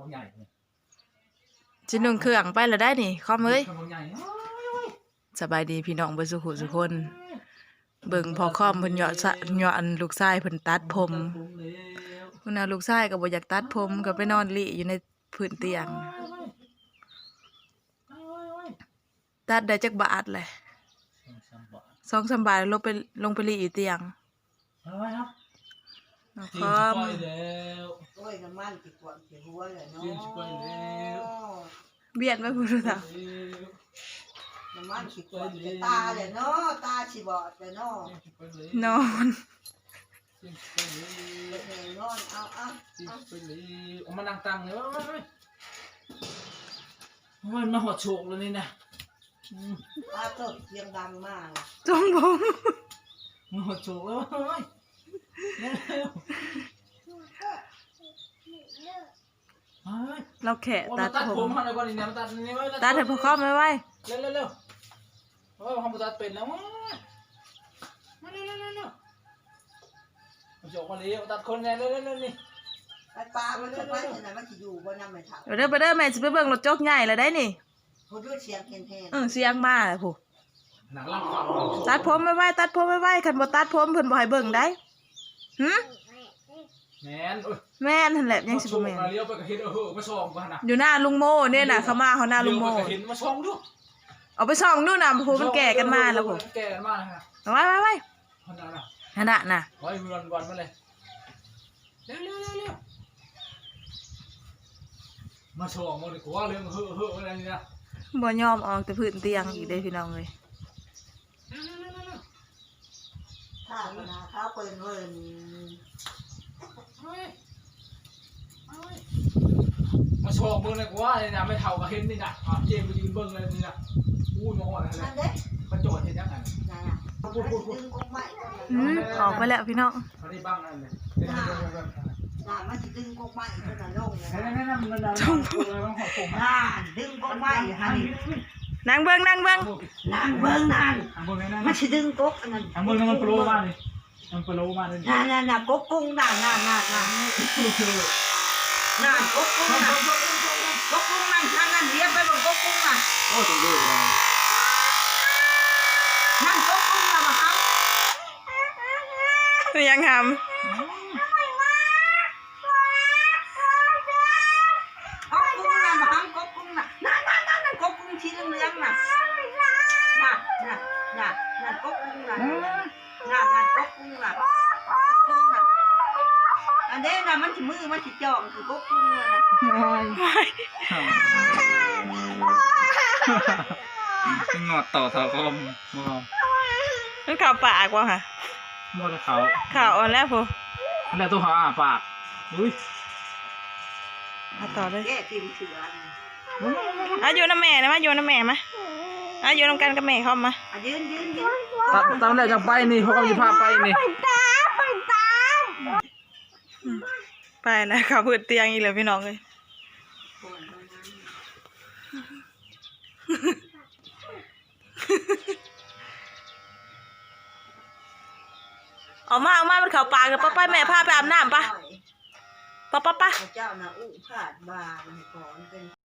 ใหญ่จินุ่งเครื่องไปแล้วได้นี่คอมเอ้ยใหญ่สบายดีพี่น้องเบิ่สุขุสุคนเบิ่งพอคอมเพิ่นเหยาะอันลูกชายเพิ่นตัดผมพุ่นน่ะลูกชายก็บ่อยากตัดผมก็ไปนอนลิอยู่ในพื้นเตียงตัดได้จักบาทเลย2-3 บาทลงไปลิอยู่เตียงคอมโอ้ยน้ำมันติดกวนติดหัวเลยเนาะเบียดไว้พุ่นน่ะน้ำมันติดกวนตาเลยเนาะตาสิบอดเลยเนาะนอนนอนเอามานั่งตังเลยมันมาหดโฉกเลยนี่นะตาตกเสียงดังมากจงผมมาหดโฉกแล้วเราแขะตัดผมตัดให้พอคอมไว้เร็วโอ้ยผมตัดเป็นแล้วมาเร็วโฉกมาเลยตัดคนไงเร็วนี่ปลามันจะไปไหนมันจะอยู่บนน้ำไม่ถังเด้อแม่สิไปเบิ่งรถจกใหญ่แล้วได้นี่พูดด้วยเสียงแทนเสียงมาแล้วผู้หนังล่างฟังตัดผมไว้คันบ่ตัดผมเพิ่นบ่ให้เบิ่งได้หึแม่นนั่นแหละยังสิบ่แม่นเลี้ยวไปก็เห็นมาส่องกันน่ะอยู่หน้าลุงโมเนี่ยน่ะเขามาเขาหน้าลุงโมเห็นมาส่องดูเอาไปส่องดูน่ะผู้มันแก่กันมาแล้วผู้แก่กันมาฮะไว้นั่นน่ะไว้วันมาเลยเร็วมาส่องมาดิกูว่าเรื่องอะไรนี่นะบ่ยอมออกแต่พื้นเตียงอีกเด้พี่น้องเอ้ยข้าวนาข้าวเปิ้นเวินมาส่องเบิ่งเลยกูว่าเลยนะไม่เท่ากับเห็นนี่นะเจมไปยืนเบิ่งเลยนี่นะพูดมาหมดเลยมาโจทย์เห็นยังไงออกไปแล้วพี่น้องเขาได้บ้างนั่นเลยมันจะดึงกกไม้ขนาดลงเลยนั่นมันดึงกกไม้ฮะนั่งเบิ่งมันจะดึงกกอันนั้นเบิ่งมันโปรมาเลยมันโปรมาเลยน่ะกกกุ้งน่ะกกกุ้งนั่นเรียบไปบนกกกุ้งน่ะโอ้ตัวเด็กเลยนั่นกกกุ้งน่ะมาครับยังทำที่เรื่องน่ะน่ะก๊กกุ้งน่ะก๊กกุ้งน่ะอันเด้น่ะมันสิมือมันสิจ่องคือก๊กกุ้งน่ะงอดต่อเท้าคอมมันข่าวปากว่ะค่ะมดเขาข่าวอ่อนแล้วผู้แล้วตัวเขาปากอุ้ยต่อเลยแก้ติ่มเสืออยู่น้ำแม่นะมาอยู่น้ำแม่มาอยู่น้ำกันกับแม่เข้ามายืนตามแรกจะไปนี่เขาก็มีภาพไปนี่ไปนะเขาพื้นเตียงอีกเลยพี่น้องเลยออกมามันเขาปากกับป้าแม่พาไปอาบน้ำปะเจ้าน่ะอุ้งผาดบาก่อนเป็น